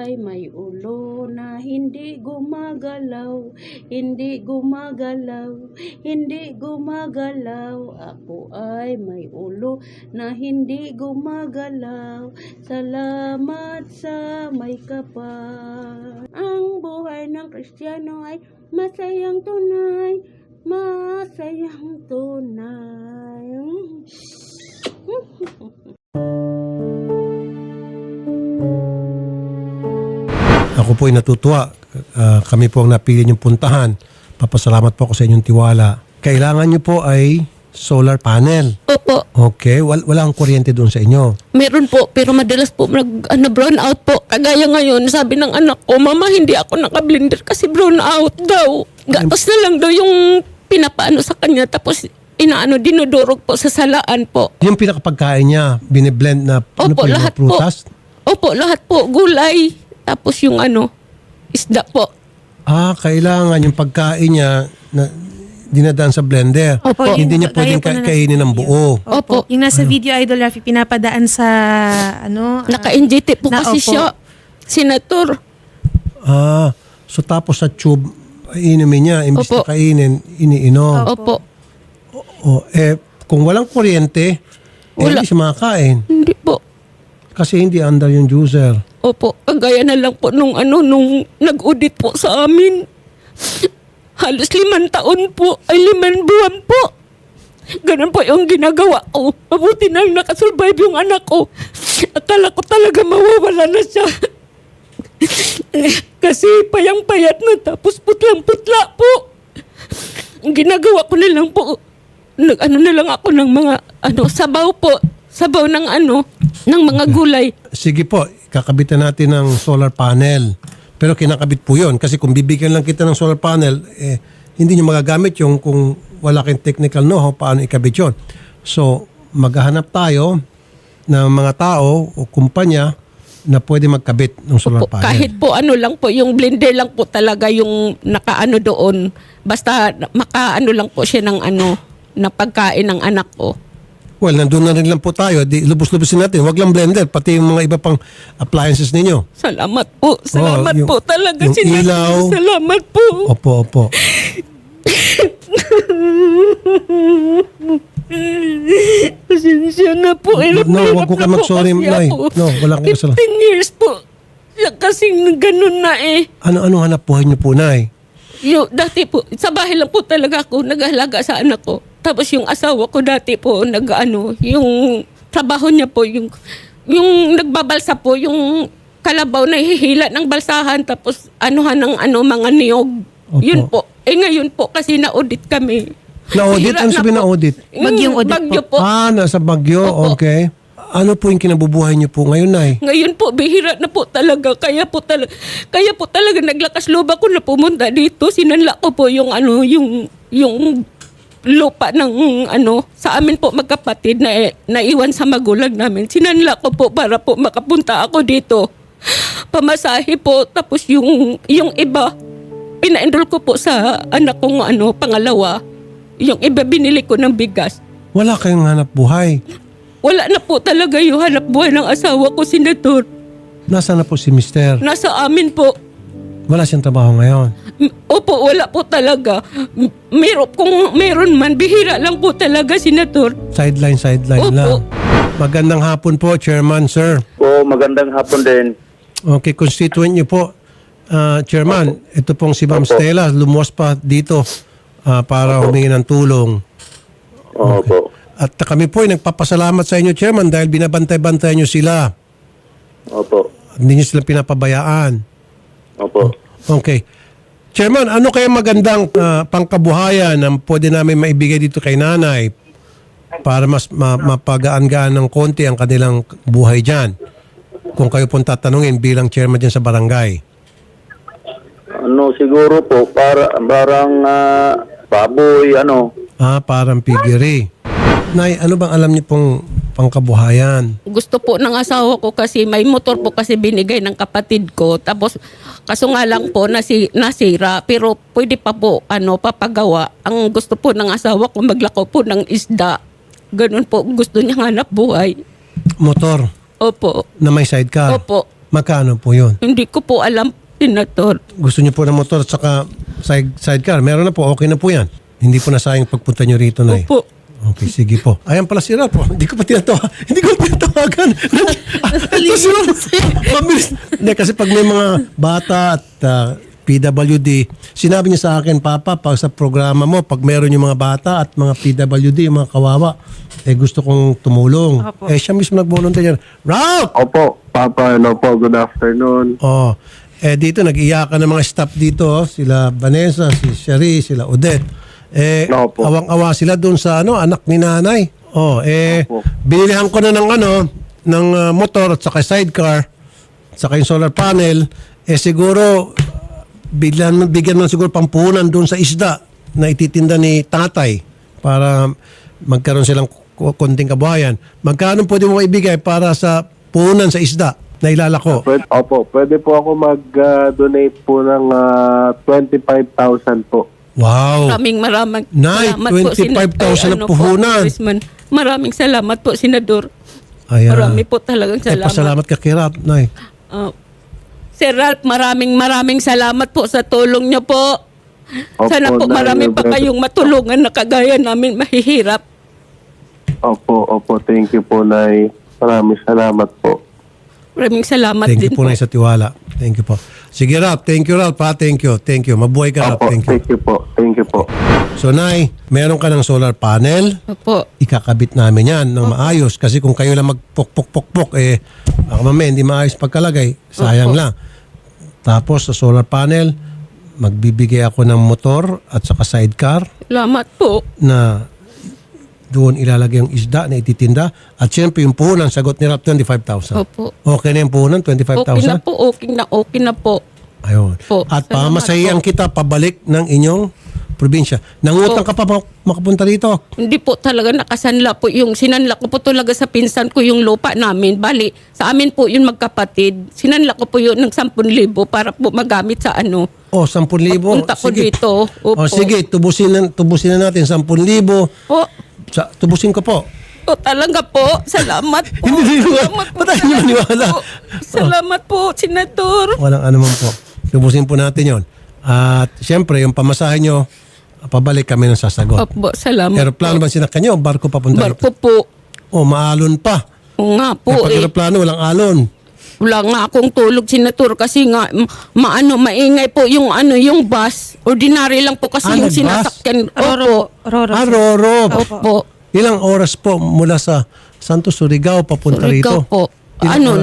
ay may ulo na hindi gumagalaw, hindi gumagalaw, hindi gumagalaw. Ako ay may ulo na hindi gumagalaw. Salamat sa may kapal. Ang buhay ng Kristiyano ay masayang tunay, masayang tunay. Ako po ay natutuwa. Kami po ang napili niyong puntahan. Papasalamat po ako sa inyong tiwala. Kailangan niyo po ay solar panel. Opo. Okay, wala ang kuryente doon sa inyo. Meron po, pero madalas po brown out po. Kagaya ngayon, sabi ng anak ko, Mama, hindi ako naka-blender kasi brown out daw. Gatos na lang daw yung pinapaano sa kanya, tapos dinudurog po sa salaan po. Yung pinakapagkain niya, biniblend na Opo, yung lahat mga prutas? Opo, lahat po. Gulay. Tapos yung isda po. Kailangan yung pagkain niya na dinadaan sa blender. Opo. Hindi niya pwedeng kainin ng buo. Opo. Yung nasa video, Idol Rafi, pinapadaan sa Naka-NGT po kasi opo. siya. Senator. So tapos sa tube, inumin niya. Imbis Opo. na kainin, iniinom. Opo. Kung walang kuryente, Wala. hindi siya makakain. Hindi po. Kasi hindi under yung juicer. Opo, kagaya na lang po nung nag-audit po sa amin. Halos 5 taon po, ay 5 buwan po. Ganun po yung ginagawa ko. Mabuti na lang nakasurvive yung anak ko. Akala ko talaga mawawala na siya. Kasi payang-payat na tapos putlang-putla po. Ang ginagawa ko na lang po, na lang ako ng mga sabaw po. Sabaw ng ng mga gulay. Sige po, kakabitan natin ng solar panel. Pero kinakabit po yun. Kasi kung bibigyan lang kita ng solar panel, hindi nyo magagamit yung kung wala kayong technical know-how paano ikabit yun. So, maghahanap tayo ng mga tao o kumpanya na pwede magkabit ng solar panel. Kahit po lang po, yung blender lang po talaga yung nakaano doon. Basta makaano lang po siya ng na pagkain ng anak ko. Well, nandun na rin lang po tayo. Di, lubos-lubosin natin. Huwag lang blender, pati yung mga iba pang appliances ninyo. Salamat po. Salamat po talaga. Yung ilaw. Salamat po. Opo. Pasensya na po. No, wag ko kayo mag-sorry, Nay. No, wala kang kasalanan. 15 years po. Kasing ganun na Ano hanap buhay niyo po, Nay? Dati po, sa bahay lang po talaga ako nag-ahalaga sa anak ko. Tapos yung asawa ko dati po, yung trabaho niya po, yung nagbabalsa po, yung kalabaw na hihila ng balsahan, tapos ng mga niyog. Opo. Yun po. Ngayon po, kasi na-audit kami. Na-audit? Hihila Ano na sabihin po. na-audit? Bagyong audit Bagyo po. Nasa Bagyo. Opo. Okay. Ano po yung kinabubuhay niyo po ngayon, Nay? Ngayon po, bihira na po talaga. Kaya po talaga naglakas loob ako na pumunta dito. Sinanla ko po yung lupa ng sa amin po magkapatid na naiwan sa magulang namin. Sinanla ko po para po makapunta ako dito. Pamasahe po. Tapos yung iba, pina-enroll ko po sa anak kong pangalawa. Yung iba binili ko ng bigas. Wala kayong hanap buhay. Wala na po talaga yung hanap buhay ng asawa ko, Senator. Nasaan na po si Mister? Nasa amin po. Wala siyang trabaho ngayon. Opo, wala po talaga. Kung meron man, bihira lang po talaga, Senator. Sideline Opo. lang. Magandang hapon po, Chairman, sir. Po, magandang hapon din. Okay, constituent niyo po. Chairman, ito pong si Ma'am Opo. Stella, lumuwas pa dito para humingi ng tulong. Opo. At kami po ay nagpapasalamat sa inyo, Chairman, dahil binabantay-bantay niyo sila. Opo. Hindi niyo sila pinapabayaan. Opo. Okay. Chairman, ano kaya magandang pangkabuhayan na pwede namin maibigay dito kay nanay para mas mapagaan-gaan ng konti ang kanilang buhay dyan? Kung kayo pong tatanungin bilang chairman dyan sa barangay. Siguro po, parang baboy, Parang piggery. Nay, ano bang alam niyo pong pangkabuhayan? Gusto po ng asawa ko kasi may motor po kasi binigay ng kapatid ko. Tapos kaso nga lang po nasira pero pwede pa po papagawa. Ang gusto po ng asawa ko maglako po ng isda. Ganun po gusto niya hanap buhay. Motor Opo. na may sidecar? Opo. Magkano po yun? Hindi ko po alam, Senator. Gusto niyo po ng motor at saka sidecar? Meron na po, okay na po yan. Hindi po nasayang pagpunta niyo rito, Nay. Opo. Okay, sige po. Ayan pala si Ralph. Hindi ko pa Hindi ko tinatawagan. Ito si Ralph. Mabilis. Hindi, kasi pag may mga bata at PWD, sinabi niya sa akin, Papa, pag sa programa mo, pag meron yung mga bata at mga PWD, yung mga kawawa, gusto kong tumulong. Siya mismo nag-volunteer. Ralph! Opo, Papa, good afternoon. Oh, dito nag-iyakan ng mga staff dito, sila Vanessa, si Sherry, sila Odette. Opo. Awang-awa sila doon sa anak ni nanay. Opo. Binilihan ko na ng motor at saka sidecar, at saka yung solar panel. Siguro bigyan mo siguro pampuhunan doon sa isda na ititinda ni tatay para magkaroon silang konting kabuhayan. Magkano pwede mo ibigay para sa puhunan sa isda na ilalako? Pwede po ako mag-donate po ng 25,000 po. Wow. Maraming Nay, salamat po, 25,000 na puhunan. Congressman. Maraming salamat po, Senador. Ayan. Marami po talagang salamat. Pasalamat ka kay Ralph, Nay. Sir Ralph, maraming salamat po sa tulong niyo po. Opo, Sana po Nay, marami pa brother. kayong matulungan na kagaya namin mahihirap. Opo, thank you po, Nay. Maraming salamat po. Maraming salamat Thank din you po, Nay, sa tiwala. Thank you po. Sige, Ralph. Thank you, Ralph. Thank you. Mabuhay ka, Ralph. Opo, Thank you. Thank you po. So, Nay, meron ka ng solar panel. Opo. Ikakabit namin yan ng maayos. Kasi kung kayo lang magpok-pok-pok-pok, baka mamaya hindi maayos pagkalagay. Sayang lang. Tapos, sa solar panel, magbibigay ako ng motor at saka sidecar Salamat po. na doon ilalagay yung isda na ititinda. At syempre, yung puhunan, sagot ni Ralph, 25,000. Opo. Okay na yung puhunan, Okay 25,000? na po, okay na po. Ayun. Po, At salamat pamasahihan po. kita pabalik ng inyong probinsya. Nangutang ka pa makapunta rito? Hindi po talaga nakasanla po yung sinanla ko po talaga sa pinsan ko yung lupa namin. Bali, sa amin po yun magkapatid. Sinanla ko po yun ng 10,000 para po magamit sa O, 10,000. Pagpunta ko dito. Opo. O, sige, tubusin na natin 10,000. Po. Tubusin ko po. O talaga po. Salamat po. Hindi Salamat po. Ba't tayo maniwala? Salamat po, Senator. Walang anuman po. Tubusin po natin yon. At syempre, yung pamasahe nyo, pabalik kami ng sasagot. Opo, salamat Aeroplano po. ba sinakyan nyo o barko papunta Barko rito? po. O, maalon pa. O nga po Pag aeroplano, walang alon. Wala nga akong tulog, Senator, kasi nga maingay po yung yung bus. Ordinary lang po kasi yung Nag-bus? sinasakyan. Roro. Roro. Opo. Ilang oras po mula sa Santos Surigao papunta rito? Surigao po. Ilang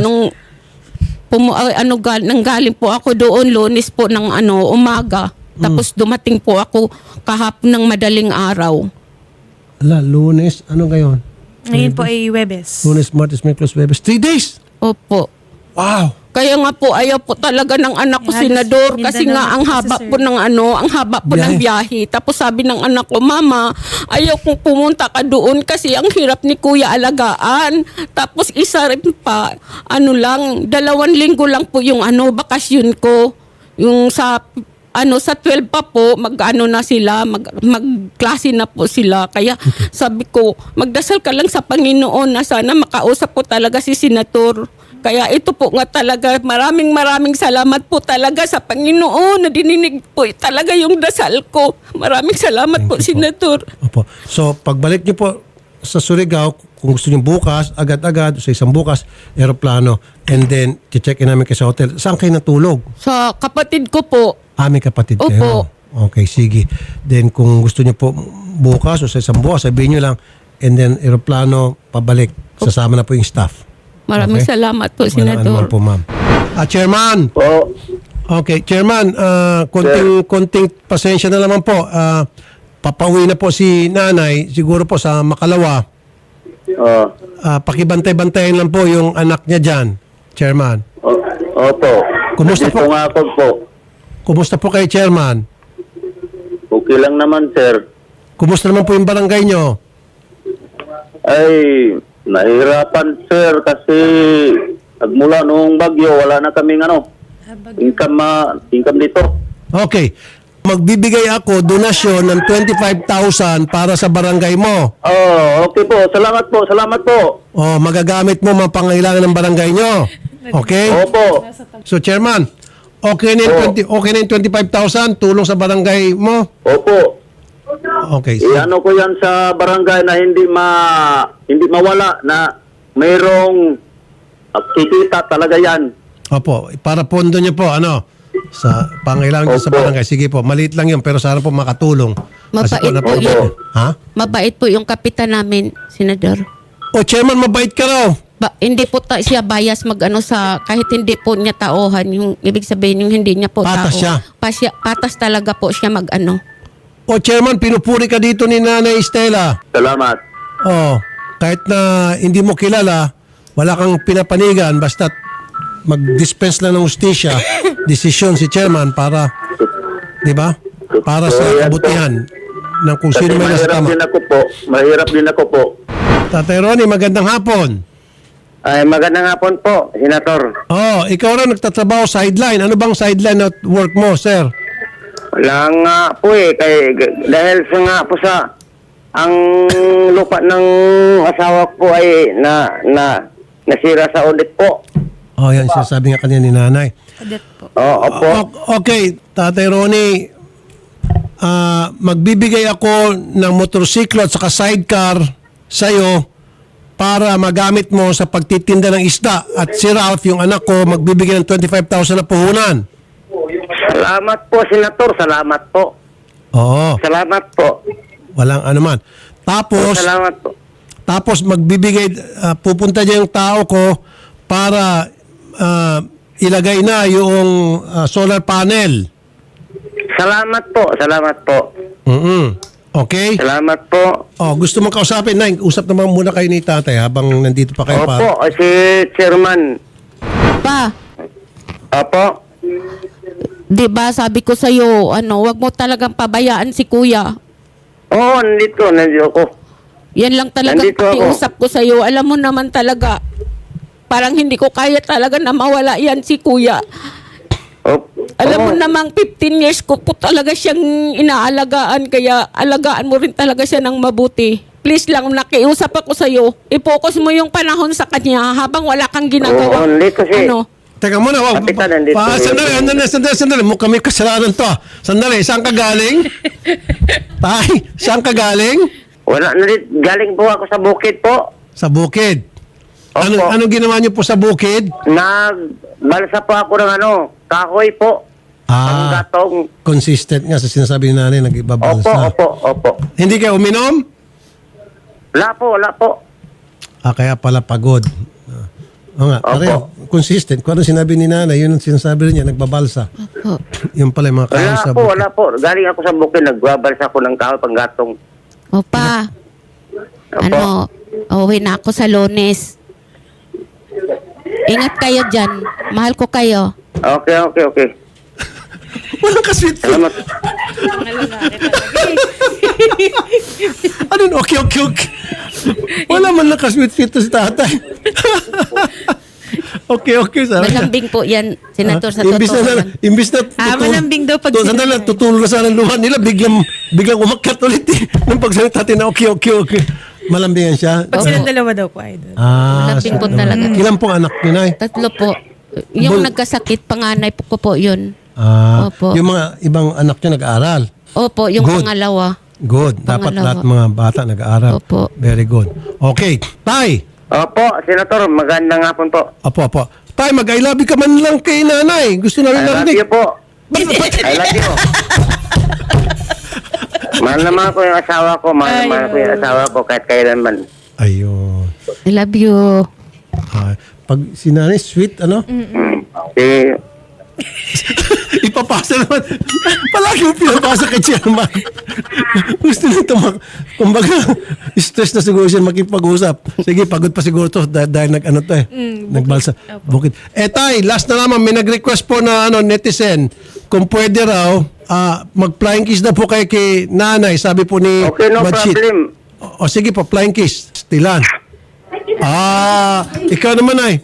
oras? Nanggaling po ako doon, Lunes po ng umaga. Tapos dumating po ako kahapon ng madaling araw. Lunes, ano ngayon? Ngayon po ay Webes. Lunes, Martes, Miyerkules, Huwebes. 3 days! Opo. Wow! Kaya nga po ayaw po talaga ng anak ko, Yes, Senador, kasi Mindanao nga ang po kasi, haba sir. po ng ang haba po ng biyahe. Tapos sabi ng anak ko, Mama, ayaw kong pumunta ka doon kasi ang hirap ni Kuya alagaan. Tapos isa rin pa, 2 linggo lang po yung bakasyon ko. Yung sa 12 pa po, na sila, magklase na po sila. Kaya sabi ko, magdasal ka lang sa Panginoon na sana makausap ko talaga si Senator. Kaya ito po nga talaga, maraming salamat po talaga sa Panginoon na dininig po talaga yung dasal ko. Maraming salamat po, Senator. Opo. So, pagbalik niyo po sa Surigao, kung gusto niyo bukas, agad-agad, sa isang bukas, aeroplano, and then, check-in namin kayo sa hotel. Saan kayo natulog? Sa kapatid ko po. May kapatid kayo. Opo. Okay, sige. Then, kung gusto niyo po bukas o sa isang bukas, sabihin niyo lang, and then, aeroplano, pabalik. Sasama na po yung staff. Maraming Okay. salamat po, Walang Senator. anuman po, ma'am. Chairman! Po, Okay, Chairman, konting pasensya na naman po. Papauwi na po si nanay, siguro po sa Makalawa. Pakibantay-bantayin lang po yung anak niya dyan, Chairman. opo. Kumusta po? Dito nga ako po. Kumusta po kayo, Chairman? Okay lang naman, sir. Kumusta naman po yung barangay nyo? Ay, nahirapan, sir, kasi nagmula noong bagyo, wala na kaming income dito. Okay. Magbibigay ako donasyon ng 25,000 para sa barangay mo. Oh, okay po. Salamat po. Magagamit mo mga pangailangan ng barangay nyo. Okay? Opo. So, Chairman, okay na yung 25,000 tulong sa barangay mo? Opo. Okay. Iano ko yan sa barangay na hindi mawala na mayroong kikita talaga yan. Opo, para pondo niyo po, sa pangailangan niyo sa Opo. barangay. Sige po, maliit lang yun, pero sana po makatulong. Kasi Mabait po napaka- yun. Ha? Mabait po yung kapitan namin, Senador. O, Chairman, mabait ka raw. Hindi po siya bias sa kahit hindi po niya tauhan, yung ibig sabihin yung hindi niya po Patas tao. siya. Patas talaga po siya O, Chairman, pinupuri ka dito ni Nanay Estela. Salamat. Oh, kahit na hindi mo kilala, wala kang pinapanigan, basta't mag-dispense lang ng ustisya, desisyon si Chairman para, di ba? Para sa So, yan kabutihan ng kung Kasi sino may nasa tama. mahirap din ako po. Tatay Ronnie, magandang hapon. Ay, magandang hapon po, Senator. Oh, ikaw rin nagtatrabaho sideline. Ano bang sideline at work mo, sir? Wala nga po dahil sa nga po sa ang lupa ng asawa ko ay nasira sa audit po. Oh, yan sinasabi nga kanina ni Nanay. Audit po. Opo. Okay, Tatay Ronnie, magbibigay ako ng motorsiklo at saka sidecar sa'yo para magamit mo sa pagtitinda ng isda. At si Ralph, yung anak ko, magbibigay ng 25,000 na puhunan. Salamat po, Senator. Salamat po. Oo, Salamat po. walang anuman. Salamat po. Tapos magbibigay, pupunta dyan yung tao ko para ilagay na yung solar panel. Salamat po. Salamat po. Okay? Salamat po. Oh, gusto mong kausapin? Nay, usap naman muna kayo ni tatay habang nandito pa kayo Opo, si Chairman. Pa, Opo. di ba sabi ko sa'yo, wag mo talagang pabayaan si kuya. Oo, nandito ako. Yan lang talaga Nandito ako. pakiusap ko sa'yo. Alam mo naman talaga, parang hindi ko kaya talaga na mawala yan si kuya. Alam mo namang 15 years ko po talaga siyang inaalagaan, kaya alagaan mo rin talaga siya ng mabuti. Please lang, nakiusap ako sa'yo. I-focus mo yung panahon sa kanya habang wala kang ginagawa. Oo, hindi kasi- Teka muna, wag. Kapitan, nandito Sandali. Kami kasalanan to. Sandali, saan ka galing? Tay, saan ka galing? Wala, galing po ako sa bukid po. Sa bukid. Opo. Anong ginawa niyo po sa bukid? Nagbalsa po ako ng kahoy po. Ang gatong. Consistent nga sa sinasabi ni nanay, nag-ibabalsa. Opo. Hindi kayo uminom? Wala po. Kaya pala pagod. Oo nga, Opo. pareho. Consistent. Kung ano sinabi ni nanay, yun ang sinasabi rin niya, nagbabalsa. Opo. Yung pala yung mga kahoy sa bukid. Wala po. Galing ako sa bukid, nagbabalsa ako ng kahoy pang gatong. Opa, uwi na ako sa Lunes. Ingat kayo dyan. Mahal ko kayo. Okay. Walang kasweet. Salamat. Ano? Okay. Wala man lang kasweet to si tatay. Okay. Malambing po yan, Senator, sa totoo lang. Imbis na malambing daw pag sandali, sinabi. tutulong na sana ang luha nila, biglang umakyat ulit nung pagsalita natin na okay. Malambingan siya. Pag silang dalawa daw po, idol. Malambing po talaga. Ilan pong anak ni Nay? 3 po. Yung nagkasakit, panganay ko po yun. Opo. Yung mga ibang anak niya nag-aaral. Opo, yung Good. pangalawa. Good. Dapat Pangalawa. lahat mga bata nag-aaral. Opo. Very good. Okay. Tay! Opo, Senator, magandang hapon po. Apo. Tay, mag-I love you ka man lang kay nanay. Gusto namin I love narinig. you po. I love you. Mahal naman ko yung asawa ko. Mahal ko yung asawa ko kahit kailanman. Ayun. I love you. Pag si nanay, sweet, ipapasa naman. Palagi mo pinapasa kay Chairman. Gusto nito kumbaga, stress na siguro siya makipag-usap. Sige, pagod pa siguro to dahil nagbalsa. Bukid. Tay, last na naman, may nag-request po na netizen, kung pwede raw, mag-flying kiss na po kay nanay, sabi po ni Okay, no Badshit. problem. O sige po, flying kiss. Stilan. Ikaw naman ay.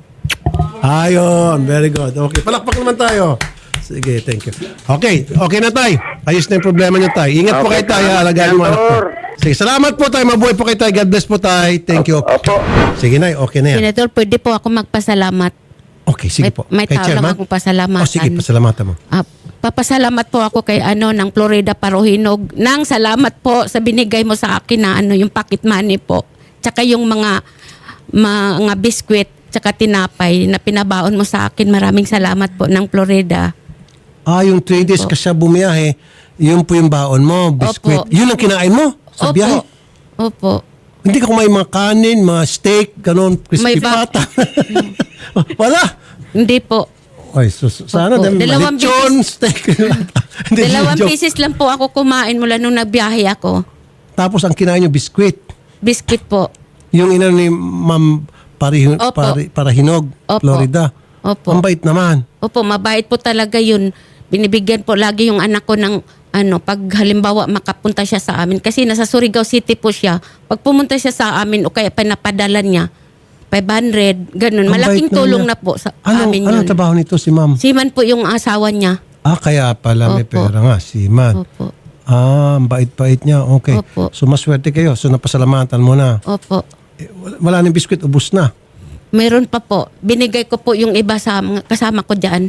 Ayun, very good. Okay, palakpak naman tayo. Sige, thank you. Okay na tay. Ayos na yung problema niyo tay. Ingat po kayo Okay, tay, salamat, alagaan mo anak po. Senator. Sige, salamat po tay. Mabuhay po kayo tay. God bless po tay. Thank you. Opo. Sige na, okay na yan. Senator, pwede po ako magpasalamat. Okay, sige po. May Kay tao lang Chairman? akong pasalamatan. O sige, pasalamatan mo. Papasalamat po ako kay ng Florida Parohinog. Nang salamat po sa binigay mo sa akin na yung pocket money po. Tsaka yung mga biskwit, tsaka tinapay na pinabaon mo sa akin. Maraming salamat po ng Florida. Yung 3 days ka siya bumiyahe, yun po yung baon mo, biskwit. Opo. Yun ang kinain mo sa biyahe? Opo. Hindi ka kumain mga kanin, mga steak, ganun, crispy May ba- pata. Wala. Hindi po. Ay, sana Opo. dahil Dalawang lechon, steak. Hindi, Dalawang joke. pieces lang po ako kumain mula nung nagbiyahe ako. Tapos ang kinain nyo, biskwit. Biscuit po. Yung ina ni Ma'am Opo. Parahinog, Opo. Florida. Opo. Ang bait naman. Opo, mabait po talaga yun. Binibigyan po lagi yung anak ko ng pag halimbawa makapunta siya sa amin. Kasi nasa Surigao City po siya. Pag pumunta siya sa amin o kaya pinapadala niya, 500, ganun. Ang Malaking bait tulong niya. na po sa Anong amin yun. trabaho nito si Ma'am? Siman po yung asawa niya. Kaya pala may Opo. pera nga, si Man. Opo. Ang bait-bait niya. Okay. Opo. So, maswerte kayo. So, napasalamatan mo na. Opo. Wala nang biskwit, ubus na. Meron pa po. Binigay ko po yung iba sa mga kasama ko dyan.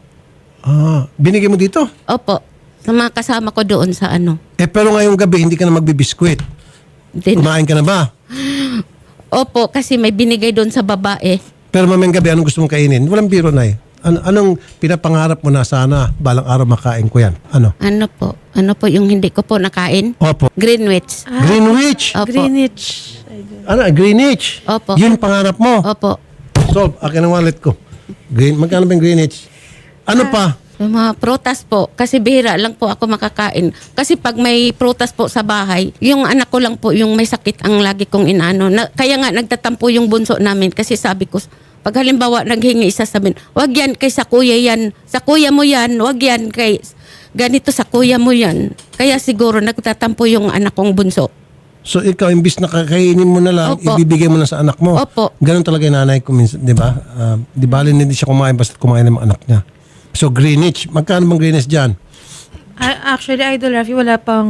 Binigay mo dito? Opo. Sa mga kasama ko doon sa Pero ngayong gabi, hindi ka na magbibiskwit. Kumain ka na ba? Opo, kasi may binigay doon sa babae. Pero mamayang gabi, anong gusto mong kainin? Walang biro na eh. Anong pinapangarap mo na sana balang araw makain ko yan? Ano? Ano po yung hindi ko po nakain? Opo. Greenwich. Greenwich. Opo. Greenwich. Greenwich. Opo. Yun pangarap mo. Opo. Solve, akin ang wallet ko. Magkano ba yung Greenwich? Ano pa? Yung mga prutas po, kasi bihira lang po ako makakain. Kasi pag may prutas po sa bahay, yung anak ko lang po yung may sakit ang lagi kong inaano. Kaya nga nagtatampo yung bunso namin kasi sabi ko, pag halimbawa naghingi isa sabihin, wag yan kay sa kuya yan, sa kuya mo yan, wag yan kay ganito sa kuya mo yan. Kaya siguro nagtatampo yung anak kong bunso. So ikaw, imbis na kakainin mo na lang, Opo. ibibigay mo na sa anak mo. Opo. Ganon talaga yung nanay ko minsan, di ba? Di ba, hindi siya kumain basta kumain ng mga anak niya. So Greenwich, magkano bang Greenwich dyan? Actually, Idol Rafi, wala pang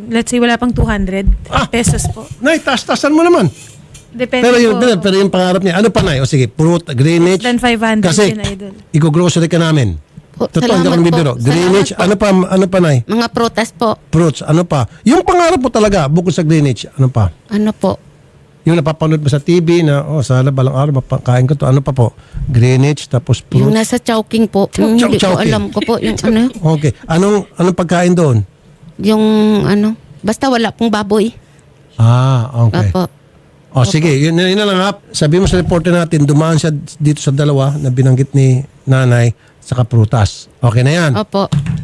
200 pesos po. Nay, taas-taasan mo naman. Depende Pero po. yung pangarap niya, ano pa Nay? O sige, fruit, Greenwich. Than 500 Kasi yun, Idol. i-grocery ka namin. Po, Totoo, hindi ako salamat nabibiro. po. Greenwich, Salamat po. ano pa Nay? Mga prutas po. Fruits, ano pa? Yung pangarap mo talaga, bukod sa Greenwich, ano pa? Ano po? Yung napapanood mo sa TV na, sana balang araw mapakain ko to. Ano pa po? Greenwich, tapos Yung fruit. nasa Chowking po. Yung hindi ko Chowking. alam ko po. Yung Okay. Anong pagkain doon? yung basta wala pong baboy. Okay. Opo. Sige, yun na lang ha. Sabi mo sa reporter natin, dumaan siya dito sa dalawa na binanggit ni nanay sa prutas. Okay na yan. Opo.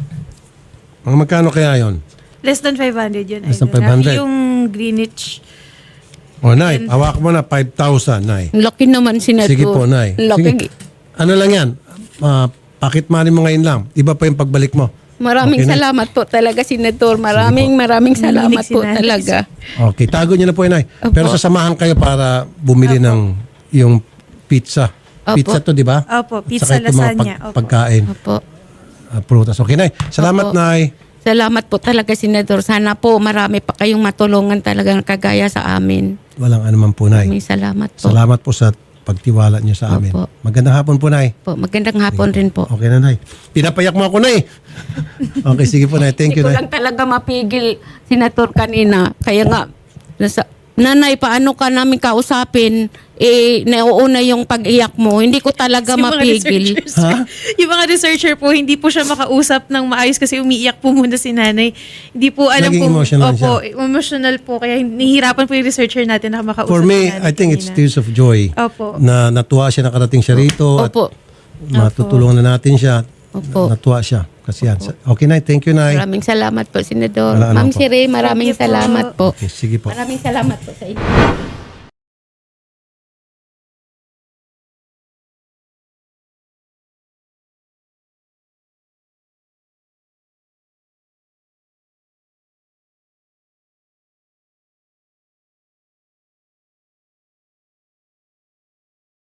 Mga magkano kaya yon? Less than 500 yun, Less than Idol Rafi. 500. Yung Greenwich. Nay, hawak mo na 5,000, Nay. Laki naman Senator. Sige po, Nay. Laki. Sige. Ano lang yan? Pakit money mo ngayon lang. Iba pa yung pagbalik mo. Maraming Okay, Nay. salamat po talaga, Senator. Maraming salamat Narinig si po Nanay. talaga. Okay, tago niyo na po yun, Nay. Opo. Pero sasamahan kayo para bumili ng yung pizza. Opo. Pizza to, di ba? Opo, pizza, Saka itong mga lasagna. Opo. pagkain. Opo. Prutas. Okay, Nay. Salamat, Opo. Nay. Salamat po talaga, Senator. Sana po marami pa kayong matulungan talaga kagaya sa amin. Walang anuman po, Nay. Maraming salamat po. Salamat po sa pagtiwala niyo sa amin. Opo. Magandang hapon po, Nay. Po, magandang hapon rin po. Okay na, Nay. Pinapayak mo ako, Nay. Okay, sige po, Nay. Thank you, Hindi ko Nay. lang talaga mapigil, Senator, kanina. Kaya nga, Nanay, paano ka namin kausapin? Nauuna yung pag-iyak mo. Hindi ko talaga Yung mga mapigil. researchers, yung mga researcher po, hindi po siya makausap ng maayos kasi umiiyak po muna si nanay. Hindi po alam Naging kung... emotional Opo, emotional po. Kaya nahihirapan po yung researcher natin na makausap For me, si nanay I think it's kanina. tears of joy. Opo. Na natuwa siya, nakarating siya rito. At Opo. matutulungan na natin siya. Opo. Natuwa siya. Kasi yan. Okay, Nay. Thank you, Nay. Maraming salamat po, Senador. Wala, ano Ma'am po. Siri, maraming Thank you po. salamat po. Okay, sige po. Maraming salamat po sa inyo.